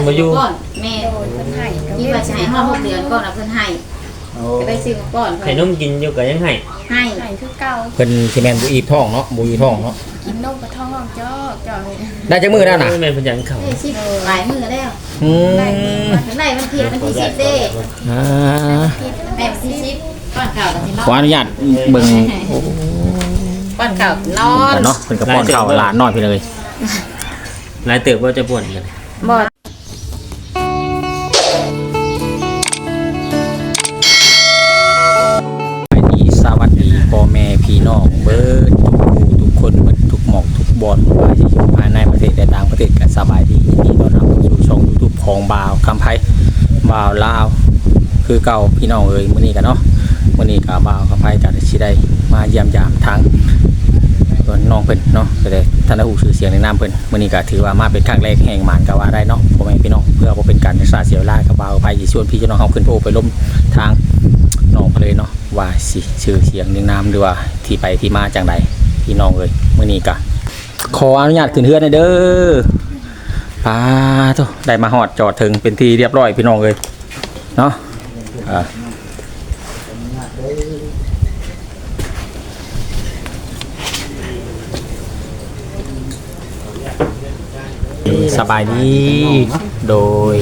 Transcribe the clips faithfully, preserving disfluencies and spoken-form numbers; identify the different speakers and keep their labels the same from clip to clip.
Speaker 1: มาอยู่
Speaker 2: ก่อนแม่
Speaker 3: เพิ่นให้
Speaker 2: ที่ว่าจะให้ห้าหกเดือนก่อนนะเพิ่นให้ก็ได้ซื้อมาก่อน
Speaker 1: ให้นมกินอยู่ก็ยังให้
Speaker 2: ให้
Speaker 3: ให้คือเก่า
Speaker 4: เพิ่นสิแม่นบ่อีบท้องเนาะบ่อีท้องเนาะ
Speaker 3: กินนมกระท้องจอกจอกเลย
Speaker 4: ได้จักมื้อแล้วน่ะ
Speaker 1: แม่นเพิ่นยังเข้า
Speaker 2: ได้สิหลายมื้อแล้ว
Speaker 4: อืม
Speaker 2: ถึงได้มันผิดมันที่สิบเด้
Speaker 4: อ่า
Speaker 2: แม่ที่สิบป้อนข้าวกันสิเนาะ
Speaker 4: ขออนุญาตเบิ่ง
Speaker 2: ป้อนข้าวนอน
Speaker 4: เนาะเพิ่นก็ป้อนข้าวหลานน้อยพี่เลย
Speaker 1: หลายเติบว่าจะป่วนกัน
Speaker 2: บ่
Speaker 4: สวัสดีพ่อแม่พี่น้องเบิดทุกผู้ทุกคนเบิดทุกหมอกทุกบอนว่าสิอยู่ภายในประเทศและต่างประเทศกันสบายดียินดีต้อนรับเข้าสู่ช่อง YouTube ของบ่าวคำไผบ่าวลาวคือเก่าพี่น้องเอ้ยมื้อนี้กันเนาะมื้อนี้ก็บ่าวคำไผก็สิได้มาเยี่ยมยามทางส่วนน้องเพิ่นเนาะก็ได้ท่านได้ฮู้ชื่อเสียงในนามเพิ่นมื้อนี้ก็ถือว่ามาเป็นครั้งแรกแห่งหมานก็ว่าได้เนาะพ่อแม่พี่น้องเพื่อบ่เป็นการเสียเสียเวลาก็บ่าวไปสิชวนพี่น้องเฮาขึ้นโพไปล้มทางน้องไปเลยเนาะว่าสิชื่อเสียงในนามหรือว่าที่ไปที่มาจังไดพี่น้องเอ้ยมื้อนี้ก็ขออนุญาตขึ้นเฮือนหน่อยเด้อป้าโตได้มาฮอดจอดถึงเป็นที่เรียบร้อยพี่น้องเอ้ยเนาะอ่าสบายดีโดย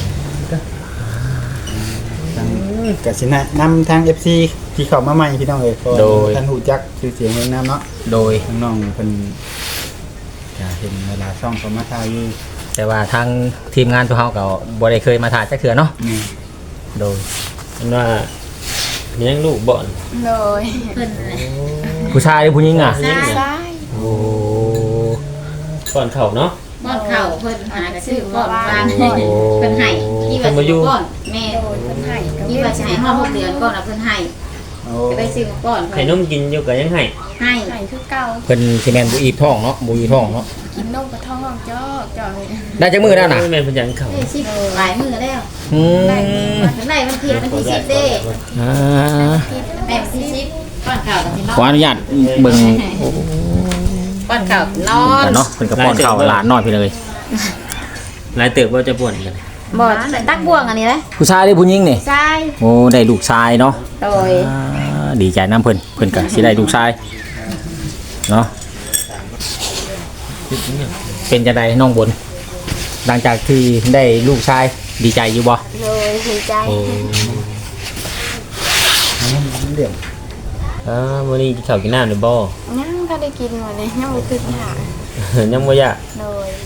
Speaker 5: กสินะนำทาง เอฟ ซี ที่เข้ามาใหม่พี่น้องเอ้ยโดยท่านหูจักชื่อเสียงเรื่องน้ำเนาะ
Speaker 4: โดย
Speaker 5: น้องเพิ่นจะเห็นเวลาช่องเขามาถ่ายอยู่
Speaker 4: แต่ว่าทางทีมงานพวกเขาก็บ่ได้เคยมาถ่ายจักเทื่อเนาะโดย
Speaker 1: ว่าเลี้ยงลูกบ่อน
Speaker 3: เลย
Speaker 2: เพิ่น
Speaker 4: ผู้ชายหรือผู้หญิงอ่ะ
Speaker 3: ใช่
Speaker 4: โอ้
Speaker 1: ก่อนเข้าเนาะ
Speaker 2: ป้อนข้าวเพิ่นหากระซื้อป้อนวางเพิ่นให้ที่ว่าสิป้อนแม่
Speaker 3: เพิ่นให้
Speaker 2: ที่ว่าจะให้ห้าหกเดือนก่อนนะเพิ่นให้ก็ได้ซื้อมาก่อน
Speaker 1: ให้นมกินอยู่ก็ยังให้
Speaker 2: ให้
Speaker 3: ให้คือเก่า
Speaker 4: เพิ่นสิแม่นบ่อีบท้องเนาะบ่อีท้องเนาะ
Speaker 3: กินนมกระท้องจอกจอกเลย
Speaker 4: ได้จักมื้อแล้วน่ะ
Speaker 1: แม่นเพิ่นยังเข้า
Speaker 2: ได้สิหลายมื้อแล้ว
Speaker 4: อืม
Speaker 2: ถึงได้มันผิดมันที่สิบเด้
Speaker 4: อ่า
Speaker 2: แม่ที่สิบป้อนข้าวกันสิเนาะ
Speaker 4: ขออนุญาตเบิ่ง
Speaker 2: ป้อนข้าวนอน
Speaker 4: เนาะเพิ่นก็ป้อนข้าวหลานน้อยพี่เลย
Speaker 1: หลายเติบว่าจะป่วนกัน
Speaker 2: บ่ตักบ่วงอันนี้เลย
Speaker 4: ผู้ชายหรือผู้หญิงนี่
Speaker 2: ชาย
Speaker 4: โอ้ได้ลูกชายเนาะ
Speaker 2: โดย
Speaker 4: ดีใจน้ำเพิ่นเพิ่นก็สิได้ลูกชายเนาะเป็นจังได๋น้องบนหลังจากที่ได้ลูกชายดีใจอยู่บ่
Speaker 3: โดยดีใจ
Speaker 4: โอ้
Speaker 5: เดี๋ยว
Speaker 1: อ่ามื้อนี้กินข้าวกินน้ำได้บ่
Speaker 3: ยังก็ได้กินหมดเลยยังบ่ตื่นหา
Speaker 1: ยังบ่อยาก
Speaker 3: โดย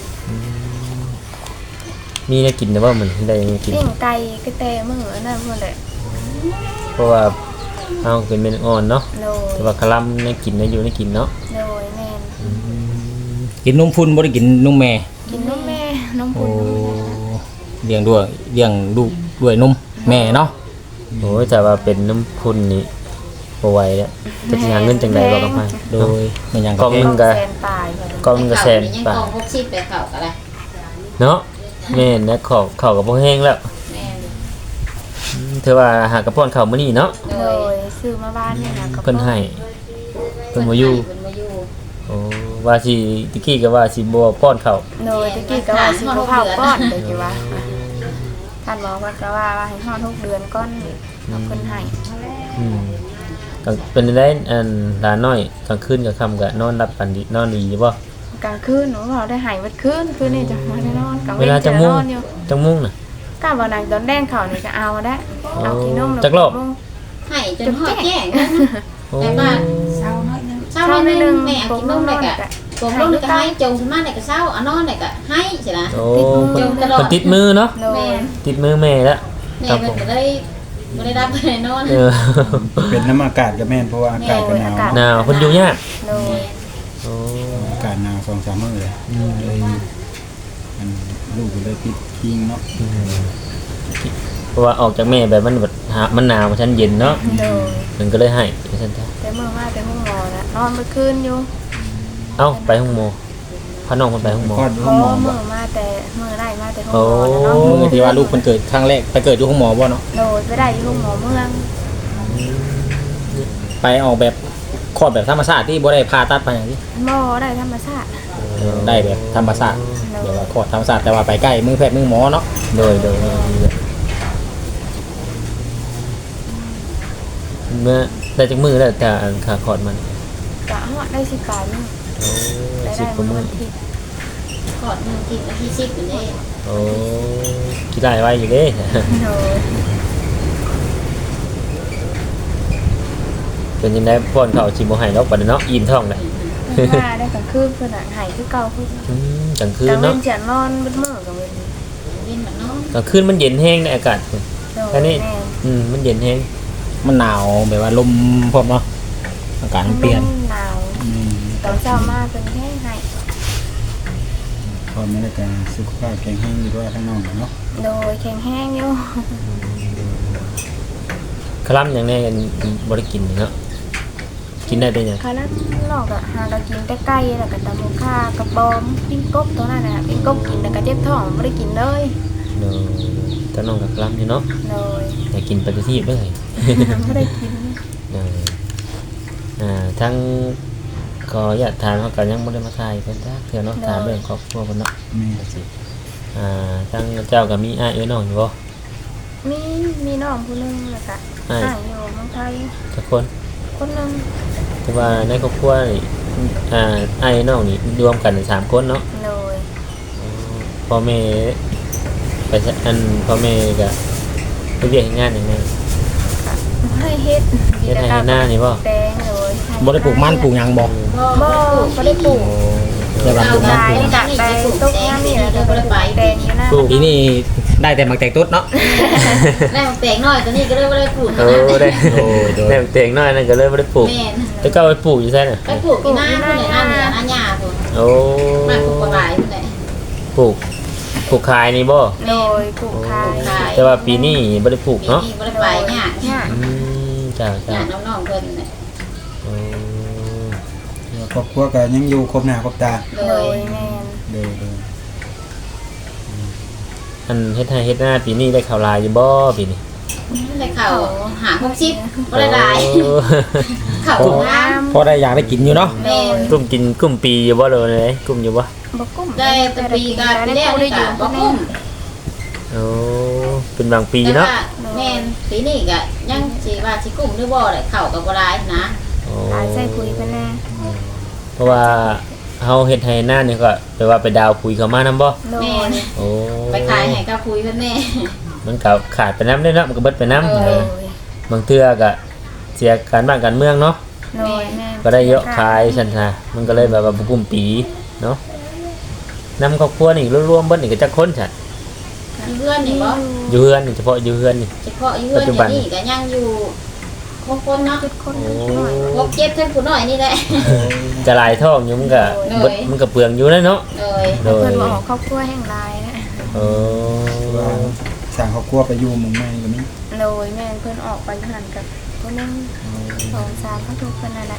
Speaker 1: มีได้กินแต่ว่ามันได้กิน
Speaker 3: ปิ้งไก่ก็แต่มื้อนั่นพุ่นแหละ
Speaker 1: เพราะว่าเฮาเป็นเม็ดอ่อนเนาะแต่ว่าคลำได้กินได้อยู่ได้กินเนาะ
Speaker 3: โดยแม่น
Speaker 4: กินนมพุ่นบ่ได้กินนมแม่
Speaker 3: กินนมแม่นมพุ่น
Speaker 4: เลี้ยงด้วยเลี้ยงลูกด้วยนมแม่เนาะ
Speaker 1: โอ้ยแต่ว่าเป็นน้ำพุ่นนี่บ่ไหวแล้วจะสิหาเงินจังได๋บ่กำไผโดย
Speaker 4: มันยัง
Speaker 1: ก็นึงก็ก็นึงก็แสน
Speaker 2: บาทหกสิบไปเข้าก็ได้
Speaker 1: เนาะแม่นนะข้าวข้าวก็บ่แห้งแล้ว
Speaker 2: แม่น
Speaker 1: เธอว่าหากระป้อนข้าวมื้อนี้เนาะ
Speaker 3: โดยซื้อมาบ้านนี่นะก็
Speaker 1: เพิ่นให้เพิ่นบ่อยู่
Speaker 2: เพิ่นบ่อยู่
Speaker 1: โอ้ว่าสิตะกี้ก็ว่าสิบ่ป้อนข้าว
Speaker 3: โดยตะกี้ก็ว่าสิบ่พาป้อนเด้อจิว่าท่านบอกว่าก็ว่าให้ฮอดหกเดือนก่อนเพิ่นให้
Speaker 1: อืมก็เป็นได้อันหลานน้อยกลางคืนกับค่ำก็นอนรับปันดีนอนดีบ่
Speaker 3: กลางคืนหนูเราได้หายวัดคืนคืนนี่จะมาได้นอนกลาง
Speaker 1: เวลาจะมุ่งจะมุ่งน่ะ
Speaker 3: ก้าววันนั้นตอนแดงเขานี่ก็เอาได้เอากินนม
Speaker 1: จักรอบ
Speaker 2: ให้จนหอดแจ้งแต่บ้านเช้าน้อยนึงเช้าน้อยนึงแม่กินนมได้ก็ปงนมได้ก็ให้จงสมาได้ก็เช้าเอานอนได้ก็ให้สินะ
Speaker 1: จงตลอดติดมือเนาะ
Speaker 2: แม่
Speaker 1: ติดมือแม่แล้ว
Speaker 2: แม่มันก็ได้บ่ได้รับไปนอน
Speaker 5: เป็นน้ำอากาศก็แม่นเพราะว่าอากาศก็หนาว
Speaker 1: หนาวเพิ่นอยู่ยาก
Speaker 5: โอ้อากาศหนาวสองสามมื้อเลยเลยมันลูกก็เลยติดคิงเนาะ
Speaker 1: เพราะว่าออกจากแม่แบบมันแบบมันหนาวมันชั้นเย็นเนาะมันก็เลยให้ซั่นซะ
Speaker 3: แต่มื้อมาแต่ห้องหมอนะนอนเมื่อคืนอยู่
Speaker 1: เอ้าไปห้องหมอพาน้องเพิ่นไปห้องหมอ
Speaker 5: คลอดอยู่ห้องหมอ
Speaker 3: มื้อมาแต่มื้อได้มาแต่ห้องหมอเนาะ
Speaker 4: มื้อที่ว่าลูกเพิ่นเกิดครั้งแรกไปเกิดอยู่ห้องหมอบ่เนาะ
Speaker 3: โดยไปได้อยู่ห้องหมอเมือง
Speaker 4: ไปออกแบบคลอดแบบธรรมชาติที่บ่ได้ผ่าตัดไปหยังที่
Speaker 3: บ่ได้ธรรมชาติ
Speaker 4: อได้แบบธรรมชาติเดี๋ยวว่าคลอดธรรมชาติแต่ว่าไปใกล้มือแพทย์มือหมอเนาะ
Speaker 1: โดยโดยเมื่อได้จากมือแล้วแต่อันขาคอดมัน
Speaker 3: กะฮอดได้สิบปลายมื้อ
Speaker 1: โอ้
Speaker 3: ได้
Speaker 1: สิ
Speaker 3: ได้
Speaker 1: บกว่ามื
Speaker 3: มื้
Speaker 1: อ
Speaker 3: อที่
Speaker 2: กอดมือกินวันที่สิบอยู่เด้
Speaker 1: โอ้คิดได้ไว้อยู่เด้
Speaker 3: โดย
Speaker 1: เป็นยังไงป้อนข้าวชิมโมไห้เนาะบัดนี้เนาะอิ่มท้องเลย
Speaker 3: เพิ่นว่าได้กลางคืนเพิ่นน่ะหายคือเก่าเพิ่น
Speaker 1: อืมกลางคื
Speaker 3: ก
Speaker 1: น
Speaker 3: ลางเว้
Speaker 1: เนาะ
Speaker 3: นจะนอนมืดมื้อกับเว้น
Speaker 2: ยินแบบน้อง
Speaker 1: กลางคืนมันเย็นแห้งในอากาศ
Speaker 3: โดย
Speaker 1: แค่นี้
Speaker 3: แม่
Speaker 1: อืมมันเย็นแห้ง
Speaker 4: มันหนาวแบบว่าลมพร้อมเนาะอากาศมันเปลี่ยน
Speaker 3: หนาว
Speaker 5: อืม
Speaker 3: ตอนเช้ามาเป็นแห้งให้
Speaker 5: พอไม่ได้การสุขภาพแข็งแรงอยู่ด้วยทั้งน้องเนาะ
Speaker 3: โดยแข็งแห้งอยู่
Speaker 1: คล้ำอย่างแนี้กันบริกินเนาะกินได้เป็นยัง
Speaker 3: ค่ะแล้วนอกอะหาเรากินแต่ไก่แล้วก็ตำบักข่ากระบอมปิ้งกบตัวนั้นน่ะปิ้งกบกินแล้วก็เจ็บท้องบ่ได้กินเลย
Speaker 1: เนาะแต่น้องกับคล้ำอยู่เนาะ
Speaker 3: โดย
Speaker 1: แต่กินปฏิทินเลย
Speaker 3: บ่ได้กิน
Speaker 1: เนาะอ่าทั้งก็อยากถามเขากันยังไม่ได้มาทายเพิ่นจ้าเถื่อเนาะถามเรื่องครอบครัวเพิ่นเนาะ
Speaker 5: แม่
Speaker 1: สิอ่าทั้งเจ้ากับมีอ้ายเอ้ยน้องอยู่บ่
Speaker 3: มีมีน้องผู้หนึงแล้วก็
Speaker 1: อ้าย
Speaker 3: อ้ายอยู่เมืองไทย
Speaker 1: ทุกคน
Speaker 3: คนหนึง
Speaker 1: แต่ว่าในครอบครัวนี่อ่าอ้ายน้องนี่รวมกันสามคนเนาะ
Speaker 3: โดย
Speaker 1: พ่อแม่ไปใช้อันพ่อแม่ก็ไปเรียกงานอย่างไง
Speaker 3: บ่ได้เฮ็ด
Speaker 1: เฮ็ดให้ให้หน้านี่บ่
Speaker 3: แตงโดย
Speaker 4: บ่ได้ปลูกมันปลูกหยังบ่
Speaker 2: บ่
Speaker 3: บ่บ่ได้ปลูก
Speaker 1: โอ้
Speaker 4: แต่ว่าปลูกมัน
Speaker 3: ขายกับไปตกงานนี่แหละก็บ่ได้ปลูกแตงอยู่นะ
Speaker 1: ปลูก
Speaker 4: ปีนี้ได้แต่หมักแตงตุ๊ดเนาะ
Speaker 2: ได้มาแปลงน้อยตัวนี้ก็เลยบ่ได้ปลูก
Speaker 1: โอ้ได้
Speaker 4: โอ้ยโดย
Speaker 1: ได้เตียงน้อยนั่นก็เลยบ่ได้ปลูก
Speaker 2: แม่น
Speaker 1: แต่ก็เอาไปปลูกอยู่ใช่น่ะ
Speaker 2: ไปปลูกที่หน้าพุ่นน่ะหน้าเนี่ยหน้าหญ้าพุ่น
Speaker 1: โอ้
Speaker 2: มาปลูกบ่หลายพุ่นแหละ
Speaker 1: ปลูกปลูกขายนี่บ่
Speaker 3: โดยปลูกขาย
Speaker 2: ขาย
Speaker 1: แต่ว่าปีนี้บ่ได้ปลูก
Speaker 2: ปี
Speaker 1: เนาะ
Speaker 2: นี้บ่ได้ไปหญ้าหญ้า
Speaker 1: อืมจ้า
Speaker 2: ห
Speaker 1: จ้า
Speaker 2: ญ้าน้องๆเพิ่นน่ะ
Speaker 1: โอ้
Speaker 5: ครอบครัวก็ยังอยู่ครบหน้าครบตา
Speaker 2: โด
Speaker 3: โด
Speaker 2: ย
Speaker 3: ยแม่น
Speaker 5: โดยโดย
Speaker 1: อันเฮ็ดให้เฮ็ดหน้าปีนี้ได้ข่าวลายอยู่บ่ปีนี้
Speaker 2: ได้เข้าหาหกสิบบ่ได้หลาย
Speaker 1: โอ้
Speaker 2: เข้าถุงน้ำ
Speaker 4: พอได้อยากได้กินอยู่เนาะ
Speaker 2: แม่น
Speaker 1: กลุ่มกินกลุ่มปีอยู่บ่เลยกลุ่มอยู่บ่
Speaker 3: บ่กุ้ม
Speaker 2: ได้แต่ปีก็ปีแรก
Speaker 3: ได้
Speaker 2: นี่
Speaker 3: อ
Speaker 2: ก็
Speaker 3: ยู่
Speaker 2: บ่คุ้ม
Speaker 1: โอ้เป็นบางปี
Speaker 2: แต่
Speaker 1: เนาะ
Speaker 2: ว่าแม่นปีนี้ก็ยังสิว่าสิกุ้มหรือบ่ได้เข้าก็บ่ได้นะ
Speaker 1: โอ้
Speaker 3: ตายใส่ปุ๋ยไปแน่
Speaker 1: เพราะว่าเฮาเฮ็ดให้หน้านี่ก็แปลว่าไปดาวปุ๋ยเข้ามานํบ่
Speaker 3: โด
Speaker 2: แม่
Speaker 3: ย
Speaker 2: น
Speaker 1: โอ้
Speaker 2: ไปขายให้กับคุยเพิ่นแม่
Speaker 1: มันก็ขาดไปน้ำได้เนาะมันก็เบิดไปน้ำ
Speaker 2: เออ
Speaker 3: โดย
Speaker 1: บางเทื่อก็เสียการบ้านการเมืองเนาะ
Speaker 3: โดยแม่
Speaker 1: ก็ได้เยอะขายซั่นซะมันก็เลยแบบว่าบ่กลุ่มปีเนาะนำครอบครัวนี่รวมๆเบิดนี่ก็จักคนซะ
Speaker 2: อยู่เพื่อนนี่บ่
Speaker 1: อยู่เฮือนนี่เฉพาะอยู่เฮือนนี่
Speaker 2: เฉพาะอยู่เพื่อนอย่างนี้ก็ยังอยู่หกคนเนาะ
Speaker 3: คน
Speaker 1: โอ้
Speaker 3: น้อย
Speaker 2: หกเจ็ดเท่านผู้น้อยนี่แหละ
Speaker 1: จะหลายท้องอยู่มันก็เบิดมันก็เปลืองอยู่นะเนาะ
Speaker 2: เลย
Speaker 1: โดย
Speaker 3: เพิ่นบ่ออกครอบครัวแห่งลายนะ
Speaker 1: โอ้
Speaker 5: ว่าสร้างครอบครัวไปอยู่หมุงแม่ก็มี
Speaker 3: โดยแม่เพิ่นออกไปหันกับคนนึงสองสามเขาทุกคนนั่นแหละ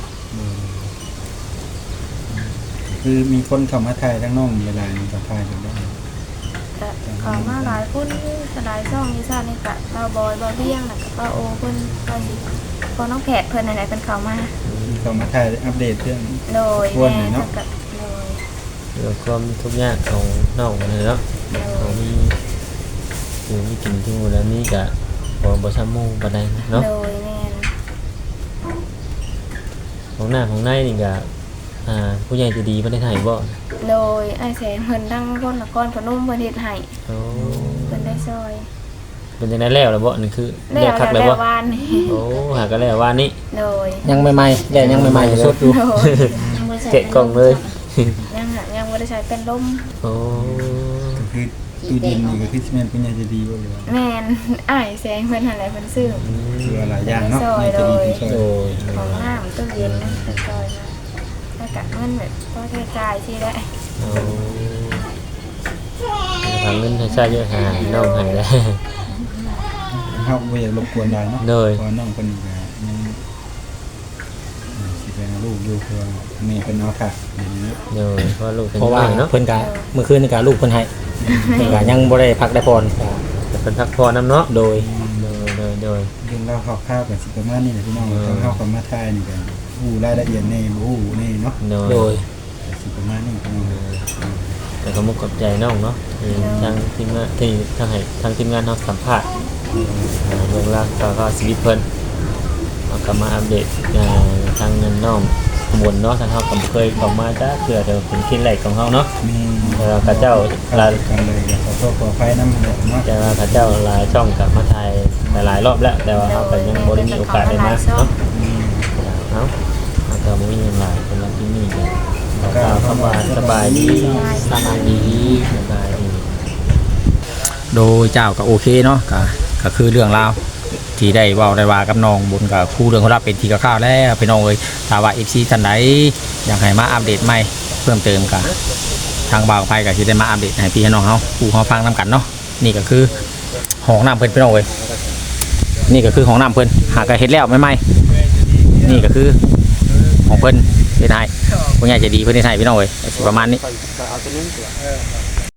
Speaker 5: คือมีคนเข้ามาถ่ายทั้งน้องเวลานี้ก็ถ่ายกันได้
Speaker 3: ก็เขอมาหลายคนหลายช่องนี่ซ่านี่ก็เราบอยบ่เบี้ยงน่ะก็โอเพิ่นก็สิพอน้องแผดเพิ่นนั่นแหละเพิ่นเข้ามา
Speaker 5: เข้ามาถ่ายอัปเดตเรื่อง
Speaker 3: โดย
Speaker 5: ควร
Speaker 3: แม่
Speaker 5: เลยเนาะ
Speaker 3: ก็โดย
Speaker 1: เรื่องความทุกข์ยากของน้องเลยเนาะ
Speaker 3: โด
Speaker 1: เขา
Speaker 3: ย
Speaker 1: มีอยู่มีกินที่มูแล้วนี่ก็บ่บ่ซ้ำหมู่ปานใดเนาะ
Speaker 3: โดยแม่น
Speaker 1: ของหน้าของในนี่ก็อ่าผู้ใหญ่ใจะดีบ่ได้ให้บ่
Speaker 3: โดยไอ้แสนเพิ่นดังคนละก้อนขนมเพิ่นเฮ็ดให้
Speaker 1: โอ้
Speaker 3: เพิ่นได้ซอย
Speaker 1: เป็นจังได๋แล้วล่ะบ่นี่คือ
Speaker 3: แล้
Speaker 1: เรียก
Speaker 3: ว
Speaker 1: คักเลย
Speaker 3: แล้ว
Speaker 1: บ่
Speaker 3: วานนี่
Speaker 1: โอ้หาก็แล้วว่านี่
Speaker 3: โดย
Speaker 4: ยังใหม่ๆแย่ยังใหม่ๆอยู่สดอยู่
Speaker 3: โดย
Speaker 2: ยังบ่ได้ใส่
Speaker 1: เกะกล่องเลย
Speaker 3: ยังหายังบ่ได้ใช้เป็นลม
Speaker 1: โอ้
Speaker 5: ก็คือตู้เย็นนี่ก็คือสิแม่นเป็นใหญ่จะดีบ่หรือว่า
Speaker 3: แม่นอ้ายแสงเพิ่นหั่นแหละเพิ่นซื้อ
Speaker 5: คือหลายอย่างเนาะ
Speaker 3: ซอย
Speaker 5: ใหญ่จะดีเป็นซอย
Speaker 1: โดย
Speaker 3: ของน้ำตู้เย็นเป็นซอยมาแล้วก็เงินแบบพอใช้จ่ายสิได้
Speaker 1: โอ้ทางเงินให้ใช้เยอะหาน้องให้แล้ว
Speaker 5: เฮาบ่อยากรบกวนหลายเนาะ
Speaker 1: โดย
Speaker 5: เพราะน้องเพิ่นก็ยังอ่าสิเป็นลูกอยู่คือว่าแม่เพิ่นเอาค่ะอย่างนี้เนาะ
Speaker 1: โดยเพราะลูกเป็น
Speaker 4: เพราะว่า
Speaker 1: น้อยเนาะ
Speaker 4: เพิ่นก็เมื่อคืนนี่ก็ลูกเพิ่นให้เพิ่นก็ยังบ่ได้พักได้พร
Speaker 1: จะเป็นพักผ่อนนํเนาะ
Speaker 4: โดย
Speaker 1: โดยโดยโดย
Speaker 5: เรื่องเล่าคร่าวๆก็สิประมาณนี้แหละพี่น้อง
Speaker 1: เออ
Speaker 5: ทางเฮาก็มาถ่ายนี่ก็ฮู้รายละเอียดแน่บ่ฮู้แน่เนาะ
Speaker 1: โดย
Speaker 4: โดย
Speaker 5: สิประมาณนี้พี่น้องเอ้ย
Speaker 1: แต่ก็มุกกับใจน้องเนาะที่ทางทีมงานที่ทางให้ทางทีมงานเนาะสัมภาษณ์อ่าเรื่องราวก็ก็ชีวิตเพิ่นเอากลับมาอัปเดตอ่าทางเงินน้องขบวนเนาะทางเฮาก็บ่เคยเข้ามาจ้าเทื่อเดียวเป็นที่แรกของเฮาเนาะ
Speaker 5: มี
Speaker 1: แต่ว่าเขาเจ้าหลาย
Speaker 5: กันเลยขอโทษขออภัยนำเนาะ
Speaker 1: แต่ว่าเขาเจ้าหลายช่องกลับมาถ่ายหลายๆรอบแล้ว แต่ว่าเฮาก็ยังบ่ได้มีโอกาสได้มาเนาะ
Speaker 5: อืม
Speaker 1: เอ้าเฮาก็บ่มีหยังหลายสำหรับที่นี่ก็กล่าวคำว่าสบายดีสบายดีสบายดี
Speaker 4: โดยเจ้าก็โอเคเนาะก็ก็คือเรื่องราวที่ได้เว้าได้ว่ากับน้องบุญกับครูเรื่องของเราเป็นที่คร่าวๆแล้วพี่น้องเอ้ยถ้าว่า เอฟ ซี ท่านใดอยากให้มาอัปเดตใหม่เพิ่มเติมก็ทางบ่าวไผก็สิได้มาอัปเดตให้พี่ให้น้องเฮาผู้เฮาฟังนํกันเนาะนี่ก็คือห้องน้ำเพิ่นพี่น้องเอ้ยนี่ก็คือห้องน้ำเพิ่นหากก็เฮ็ดแล้วใหม่ๆนี่ก็คือของเพิ่นเป็นให้ผู้ใหญ่ใจดีเพิ่นเฮ็ดให้พี่น้องเอ้ยก็สิประมาณนี้